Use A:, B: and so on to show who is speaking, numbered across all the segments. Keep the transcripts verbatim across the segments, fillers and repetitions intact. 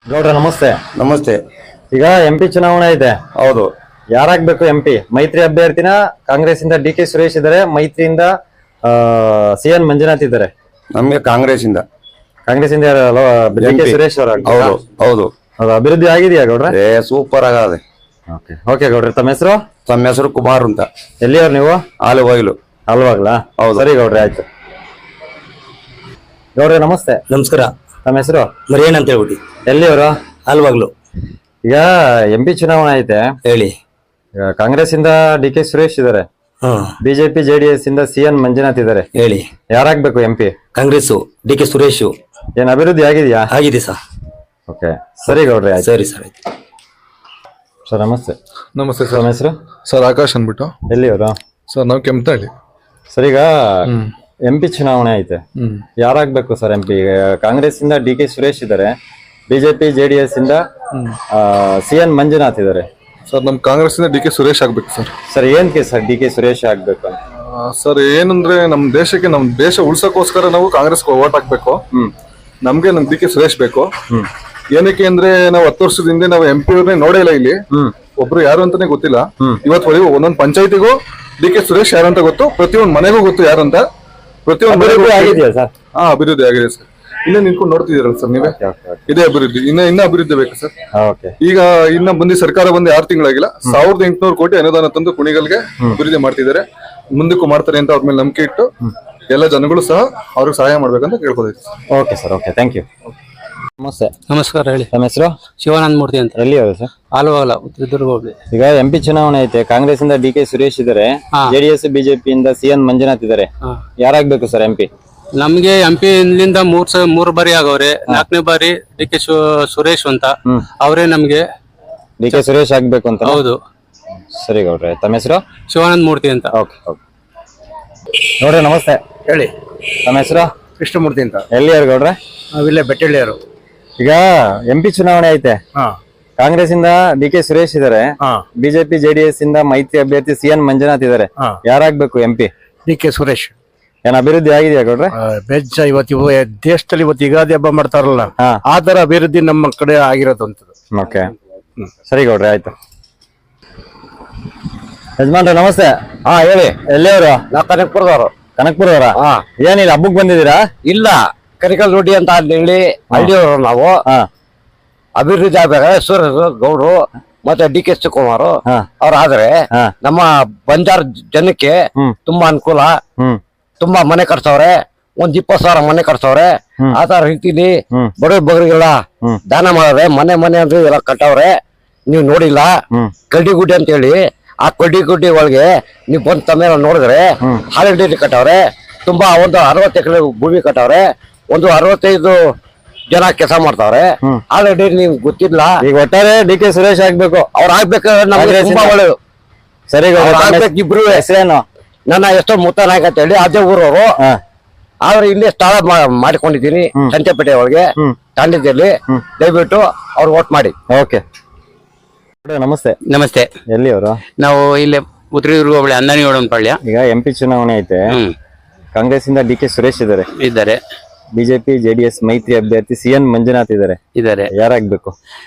A: ಗೌಡ್ರ ನಮಸ್ತೆ.
B: ನಮಸ್ತೆ.
A: ಈಗ ಎಂಪಿ ಚುನಾವಣೆ ಇದೆ.
B: ಹೌದು.
A: ಯಾರಾಗ್ಬೇಕು ಎಂಪಿ? ಮೈತ್ರಿ ಅಭ್ಯರ್ಥಿನ ಕಾಂಗ್ರೆಸ್ ಇಂದ ಡಿ ಕೆ ಸುರೇಶ್ ಇದ್ದಾರೆ, ಮೈತ್ರಿಯಿಂದ ಸಿ ಎನ್ ಮಂಜುನಾಥ್ ಇದ್ದಾರೆ.
B: ನಮ್ಗೆ ಕಾಂಗ್ರೆಸ್ ಇಂದ
A: ಕಾಂಗ್ರೆಸ್ ಇಂದ ಡಿ ಕೆ ಸುರೇಶ್ ಅವರು.
B: ಹೌದು ಹೌದು.
A: ಅದು ಅಭಿವೃದ್ಧಿ ಆಗಿದೆಯಾ ಗೌಡ್ರ?
B: ಏ ಸೂಪರ್ ಆಗದೆ.
A: ಓಕೆ ಓಕೆ ಗೌಡ್ರ, ತಮ್ಮ ಹೆಸರು?
B: ತಮ್ಮ ಹೆಸರು ಕುಮಾರ್ ಅಂತ.
A: ಎಲ್ಲಿಯವ್ರು ನೀವು?
B: ಆಲುವಾಗ್ಲು.
A: ಅಲ್ವಾಗ್ಲಾ? ಹೌದು. ಸರಿ ಗೌಡ್ರೆ, ಆಯ್ತು. ಗೌಡ್ರೆ ನಮಸ್ತೆ.
C: ನಮಸ್ಕಾರ.
A: ತಮ್ಮ ಹೆಸರು?
C: ಮರಿಯಣ್ಣ ಅಂತ ಹೇಳ್ಬಿಟ್ಟು.
A: ಎಲ್ಲಿಯವರು?
C: ಅಲ್ವಾಗ್ಲು.
A: ಈಗ ಎಂ ಪಿ ಚುನಾವಣೆ ಐತೆ,
C: ಹೇಳಿ.
A: ಈಗ ಕಾಂಗ್ರೆಸ್ ಇಂದ ಡಿ ಕೆ ಸುರೇಶ್ ಇದಾರೆ, ಬಿಜೆಪಿ ಜೆಡಿಎಸ್ ಇಂದ ಸಿ ಎನ್ ಮಂಜುನಾಥ್ ಇದಾರೆ.
C: ಹೇಳಿ.
A: ಯಾರಾಗ್ಬೇಕು M P?
C: Congress D K Suresh.
A: ಏನ್ ಅಭಿವೃದ್ಧಿ ಆಗಿದೆಯಾ?
C: ಆಗಿದೆ ಸರ್.
A: ಓಕೆ ಸರಿ ಗೌಡ್ರೆ, ಆಯ್ತು.
C: ಸರಿ ಸರ್.
A: ಸರ್ ನಮಸ್ತೆ.
D: ನಮಸ್ತೆ
A: ತಮ್ಮ
D: ಸರ್.
A: ಹೆಸರು?
D: ಸರ್ ಆಕಾಶ್ ಅಂದ್ಬಿಟ್ಟು.
A: ಎಲ್ಲಿಯವರು?
D: ಸರ್ ನಾವು ಕೆಂಪನಹಳ್ಳಿ.
A: ಸರ್ ಈಗ ಎಂ ಪಿ ಚುನಾವಣೆ ಐತೆ, ಯಾರಾಗ್ಬೇಕು ಸರ್ ಎಂ ಪಿ? ಕಾಂಗ್ರೆಸ್ ಇಂದ ಡಿ ಕೆ ಸುರೇಶ್ ಇದಾರೆ, ಬಿಜೆಪಿ ಜೆಡಿಎಸ್ ಇಂದ ಸಿ ಎನ್ ಮಂಜುನಾಥ್ ಇದಾರೆ.
D: ಸರ್ ನಮ್ ಕಾಂಗ್ರೆಸ್ ಇಂದ ಡಿ ಕೆ ಸುರೇಶ್ ಆಗ್ಬೇಕು ಸರ್.
A: ಸರ್ ಏನ್ಕೆ ಸರ್ ಡಿ ಕೆ ಸುರೇಶ್ ಆಗ್ಬೇಕು ಅಂತ?
D: ಆ, ಸರ್ ಏನಂದ್ರೆ ನಮ್ ದೇಶಕ್ಕೆ ನಮ್ ದೇಶ ಉಳ್ಸಕ್ಕೋಸ್ಕರ ನಾವು ಕಾಂಗ್ರೆಸ್ ಓಟ್ ಹಾಕ್ಬೇಕು. ನಮ್ಗೆ ನಮ್ ಡಿ ಕೆ ಸುರೇಶ್ ಬೇಕು. ಏನಕ್ಕೆ ಅಂದ್ರೆ ನಾವು ಹತ್ತು ವರ್ಷದ ಹಿಂದೆ ನಾವು ಎಂ ಪಿ ಅವ್ರನ್ನೇ ನೋಡೇ ಇಲ್ಲ ಇಲ್ಲಿ. ಒಬ್ರು ಯಾರು ಅಂತಾನೆ ಗೊತ್ತಿಲ್ಲ. ಇವತ್ತು ಒಂದೊಂದ್ ಪಂಚಾಯತಿಗೂ ಡಿ ಕೆ ಸುರೇಶ್ ಯಾರು ಅಂತ ಗೊತ್ತು, ಪ್ರತಿಯೊಂದು ಮನೆಗೂ ಗೊತ್ತು ಯಾರು ಅಂತ. ಪ್ರತಿಯೊಂದು
A: ಆಗಿದೆಯಾ ಸರ್?
D: ಹಾ, ಅಭಿವೃದ್ಧಿ ಆಗಿದೆ ಸರ್. ಇನ್ನ ನಿಂತ್ಕೊಂಡು ನೋಡ್ತಿದ್ದೀರಲ್ಲ ಸರ್ ನೀವೇ, ಇದೇ ಅಭಿವೃದ್ಧಿ. ಇನ್ನ ಇನ್ನ ಅಭಿವೃದ್ಧಿ ಬೇಕು ಸರ್. ಈಗ ಇನ್ನ ಬಂದಿ ಸರ್ಕಾರ ಬಂದು ಆರು ತಿಂಗಳಾಗಿಲ್ಲ, ಸಾವಿರದ ಎಂಟುನೂರು ಕೋಟಿ ಅನುದಾನ ತಂದು ಕುಣಿಗಲ್ಗೆ ಅಭಿವೃದ್ಧಿ ಮಾಡ್ತಿದ್ದಾರೆ. ಮುಂದಕ್ಕೂ ಮಾಡ್ತಾರೆ ಅಂತ ಅವ್ರ ಮೇಲೆ ನಂಬಿಕೆ ಇಟ್ಟು ಎಲ್ಲ ಜನಗಳು ಸಹ ಅವ್ರಿಗೆ ಸಹಾಯ ಮಾಡ್ಬೇಕಂತ ಕೇಳ್ಕೊಳ್ತೀವಿ.
A: Okay sir, okay, thank you. ನಮಸ್ತೆ.
C: ನಮಸ್ಕಾರ. ಹೇಳಿ.
A: ತಮ್ಮ ಹೆಸರು?
C: ಶಿವಾನಂದ ಮೂರ್ತಿ ಅಂತ.
A: ಎಲ್ಲಿಯವರು ಸರ್?
C: ಆಲುವಾಗಲ, ಚಿತ್ರದುರ್ಗ ಹೋಗ್ಲಿ.
A: ಈಗ ಎಂ ಪಿ ಚುನಾವಣೆ ಐತೆ, ಕಾಂಗ್ರೆಸ್ ಇಂದ ಡಿ ಕೆ ಸುರೇಶ್ ಇದಾರೆ, ಜೆಡಿಎಸ್ ಬಿಜೆಪಿ ಇಂದ ಸಿ ಎನ್ ಮಂಜುನಾಥ್ ಇದಾರೆ. ಯಾರಾಗ್ಬೇಕು ಸರ್ ಎಂ ಪಿ?
C: ನಮ್ಗೆ ಎಂ ಪಿ ಇಂದ ಮೂರ್ ಸ ಮೂರ್ ಬಾರಿ ಆಗವ್ರೆ. ನಾಲ್ಕನೇ ಬಾರಿ ಡಿ ಕೆ ಸುರೇಶ್ ಅಂತ ಅವರೇ ನಮ್ಗೆ.
A: ಡಿ ಕೆ ಸುರೇಶ್ ಆಗ್ಬೇಕು ಅಂತ?
C: ಹೌದು.
A: ಸರಿ ಗೌಡ್ರೆ, ತಮ್ಮ ಹೆಸರು?
C: ಶಿವಾನಂದ ಮೂರ್ತಿ ಅಂತ.
A: Okay okay. ನೋಡ್ರಿ ನಮಸ್ತೆ.
B: ಹೇಳಿ.
A: ತಮ್ಮ ಹೆಸರು?
B: ಕೃಷ್ಣಮೂರ್ತಿ ಅಂತ.
A: ಎಲ್ಲಿಯವ್ರು ಗೌಡ್ರೆ?
B: ನಾವಿಲ್ಲೇ ಬೆಟ್ಟಳ್ಳಿಯವರು.
A: ಈಗ ಎಂ ಪಿ ಚುನಾವಣೆ ಐತೆ, ಕಾಂಗ್ರೆಸ್ ಇಂದ ಡಿ ಕೆ ಸುರೇಶ್ ಇದಾರೆ, ಬಿಜೆಪಿ ಜೆಡಿಎಸ್ ಇಂದ ಮೈತ್ರಿ ಅಭ್ಯರ್ಥಿ ಸಿ ಎನ್ ಮಂಜುನಾಥ್ ಇದಾರೆ. ಯಾರಾಗ್ಬೇಕು M P?
B: D K Suresh.
A: ಏನ್ ಅಭಿವೃದ್ಧಿ ಆಗಿದೆಯಾ ಗೌಡ್ರೆ?
B: ಬೆಜ್ಜ ಇವತ್ತು ಇವ ದೇಶದಲ್ಲಿ ಇವತ್ತು ಯುಗಾದಿ ಹಬ್ಬ ಮಾಡ್ತಾರಲ್ಲ, ಆ ತರ ಅಭಿವೃದ್ಧಿ ನಮ್ಮ ಕಡೆ ಆಗಿರೋದಂತದ್ದು.
A: ಓಕೆ ಸರಿ ಗೌಡ್ರೆ, ಆಯ್ತು. ಯಜಮಾನ್ರೆ ನಮಸ್ತೆ.
B: ಹಾ ಹೇಳಿ.
A: ಎಲ್ಲಿಯವರು?
B: ನಾವು ಕನಕಪುರದವರು.
A: ಕನಕಪುರದವರ? ಏನಿಲ್ಲ, ಹಬ್ಬಕ್ ಬಂದಿದ್ದೀರಾ?
B: ಇಲ್ಲ, ಕರಿಕಲ್ ರೋಡಿ ಅಂತ ಹೇಳಿ ಹಳ್ಳಿಯವರು ನಾವು. ಅಭಿವೃದ್ಧಿ ಆಗ್ಬೇಕಾದ್ರೆ ಸುರೇಶ್ ಗೌಡ್ರು ಮತ್ತೆ ಡಿ ಕೆ ಶಿವಕುಮಾರ್ ಅವ್ರ ಆದ್ರೆ ನಮ್ಮ ಬಂಜಾರ ಜನಕ್ಕೆ ತುಂಬಾ ಅನುಕೂಲ. ತುಂಬಾ ಮನೆ ಕಟ್ಸವ್ರೆ, ಒಂದ್ ಇಪ್ಪತ್ ಸಾವಿರ ಮನೆ ಕಟ್ಸವ್ರೆ. ಆ ತರ ರೀತಿಲಿ ಬಡ ಬಗರಿಗೆಲ್ಲ ದಾನ ಮಾಡವ್ರೆ. ಮನೆ ಮನೆ ಅಂದ್ರೆ ಎಲ್ಲ ಕಟ್ಟವ್ರೆ. ನೀವ್ ನೋಡಿಲ್ಲ, ಕಡ್ಡಿ ಗುಡ್ಡಿ ಅಂತ ಹೇಳಿ ಆ ಕಡ್ಡಿ ಗುಡ್ಡಿ ಒಳಗೆ ನೀವ್ ಬಂದ್ ತಮ್ಮ ನೋಡಿದ್ರೆ ಹಾಲಿನ ಡೈರಿ ಕಟ್ಟವ್ರೆ. ತುಂಬಾ ಒಂದು ಅರವತ್ತು ಎಕರೆ ಭೂಮಿ ಕಟ್ಟವ್ರೆ. ಒಂದು ಅರವತ್ತೈದು ಜನ ಕೆಲಸ ಮಾಡ್ತಾವ್ರೆ. ಹಾಲಿನ ಡೈರಿ ನಿಮ್ಗೆ ಗೊತ್ತಿಲ್ಲ.
A: ಈಗ ಒಟ್ಟಾರೆ ಡಿ ಕೆ ಸುರೇಶ್ ಆಗ್ಬೇಕು.
B: ಅವ್ರು ಆಗ್ಬೇಕಾದ್ರೆ ನಮ್ಗೆ ತುಂಬಾ ಒಳ್ಳೇದು.
A: ಸರಿ
B: ಆಗ್ಬೇಕು ಇಬ್ರು.
A: ಹೆಸರೇನು?
B: ನನ್ನ ಎಷ್ಟೋ ಮುತ್ತ ನಾಯಕ ಅಂತ ಹೇಳಿ ಅದೇ ಊರವರು. ಆದ್ರೆ ಇಲ್ಲಿ ಸ್ಥಳ ಮಾಡಿಕೊಂಡಿದ್ದೀನಿ ಸಂತೆಪೇಟೆ ಒಳಗೆ ತಾಂಡದಲ್ಲಿ. ದಯವಿಟ್ಟು ಅವ್ರು ವೋಟ್ ಮಾಡಿ.
A: ಓಕೆ. ನಮಸ್ತೆ.
C: ನಮಸ್ತೆ.
A: ಎಲ್ಲಿಯವರು?
C: ನಾವು ಇಲ್ಲೇ ಉತ್ತರದುರ್ಗ ಹೋಬಳಿ ಅಂದಾನಿಯೋಡನಪಾಳ್ಯ.
A: ಈಗ ಎಂ ಪಿ ಚುನಾವಣೆ ಐತೆ, ಕಾಂಗ್ರೆಸ್ ಇಂದ ಡಿ ಕೆ ಸುರೇಶ್ ಇದಾರೆ,
C: ಇದ್ದಾರೆ.
A: ಬಿಜೆಪಿ ಜೆಡಿಎಸ್ ಮೈತ್ರಿ ಅಭ್ಯರ್ಥಿ ಸಿ ಎನ್ ಮಂಜುನಾಥ್ ಇದಾರೆ.
C: ಇದ್ದಾರೆ.
A: ಯಾರಾಗ್ಬೇಕು?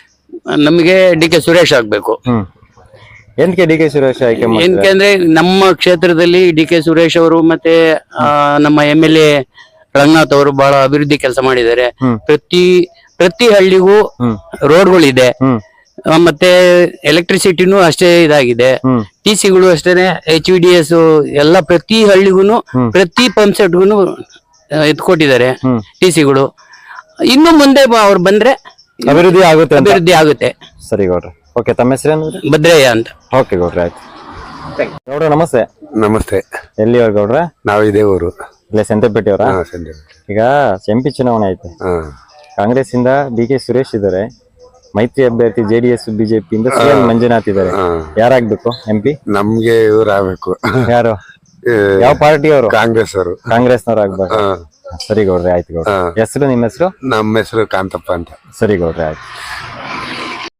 C: ನಮಗೆ ಡಿ ಕೆ ಸುರೇಶ್ ಆಗ್ಬೇಕು.
A: ಹ್ಮ್ ಎಂತಕ್ಕೆ ಡಿ ಕೆ ಸುರೇಶ್ ಆಯ್ಕೆ?
C: ಏನಕ್ಕೆ ನಮ್ಮ ಕ್ಷೇತ್ರದಲ್ಲಿ ಡಿ ಕೆ ಸುರೇಶ್ ಅವರು ಮತ್ತೆ ನಮ್ಮ ಎಂ ಎಲ್ ಎ ರಂಗನಾಥ್ ಅವರು ಬಹಳ ಅಭಿವೃದ್ಧಿ ಕೆಲಸ ಮಾಡಿದ್ದಾರೆ. ಪ್ರತಿ ಪ್ರತಿ ಹಳ್ಳಿಗೂ ರೋಡ್ಗಳಿದೆ, ಮತ್ತೆ ಎಲೆಕ್ಟ್ರಿಸಿಟಿನೂ ಅಷ್ಟೇ ಇದಾಗಿದೆ. ಟಿ ಸಿಗಳು ಅಷ್ಟೇನೆ, ಎಚ್ ವಿ ಡಿ ಎಸ್ ಎಲ್ಲ ಪ್ರತಿ ಹಳ್ಳಿಗೂ ಪ್ರತಿ ಪಂಪ್ ಸೆಟ್ಗೂ ಎತ್ಕೊಟ್ಟಿದ್ದಾರೆ ಟಿ ಸಿಗಳು. ಇನ್ನು ಮುಂದೆ ಅವ್ರು ಬಂದ್ರೆ
A: ಅಭಿವೃದ್ಧಿ ಆಗುತ್ತೆ.
C: ಅಭಿವೃದ್ಧಿ ಆಗುತ್ತೆ.
A: ಸರಿ ಗೌಡ್ರೆ, ಓಕೆ. ತಮ್ಮ ಹೆಸರೇನು?
C: ಭದ್ರಯ್ಯ ಅಂತ.
A: ಓಕೆ ಗೌಡ್ರೆ, ಆಯ್ತು. ಗೌಡ್ರ ನಮಸ್ತೆ.
B: ನಮಸ್ತೆ.
A: ಎಲ್ಲಿಯವ್ರು ಗೌಡ್ರೆ?
B: ನಾವು ಇದೇ ಊರು,
A: ಇಲ್ಲೇ ಸಂತೆಪೇಟೆಯವರ? ಈಗ ಎಂ ಪಿ ಚುನಾವಣೆ ಐತೆ, ಕಾಂಗ್ರೆಸ್ ಇಂದ ಡಿ ಕೆ ಸುರೇಶ್ ಇದಾರೆ, ಮೈತ್ರಿ ಅಭ್ಯರ್ಥಿ ಜೆಡಿಎಸ್ ಬಿಜೆಪಿ ಇಂದ ಸಿ ಎನ್ ಮಂಜುನಾಥ್ ಇದಾರೆ. ಯಾರಾಗ್ಬೇಕು ಎಂ ಪಿ?
B: ನಮ್ಗೆ ಇವ್ರು ಆಗ್ಬೇಕು.
A: ಯಾರು? ಯಾವ ಪಾರ್ಟಿ ಅವರು?
B: ಕಾಂಗ್ರೆಸ್ ಅವರು.
A: ಕಾಂಗ್ರೆಸ್ನವ್ರು ಆಗ್ಬೇಕು. ಸರಿ ಗೌಡ್ರೆ, ಆಯ್ತು ಗೌಡ್ರೆ. ಹೆಸರು? ನಿಮ್ಮ ಹೆಸರು?
B: ನಮ್ಮ ಹೆಸರು ಕಾಂತಪ್ಪ ಅಂತ.
A: ಸರಿ ಗೌಡ್ರೆ, ಆಯ್ತು.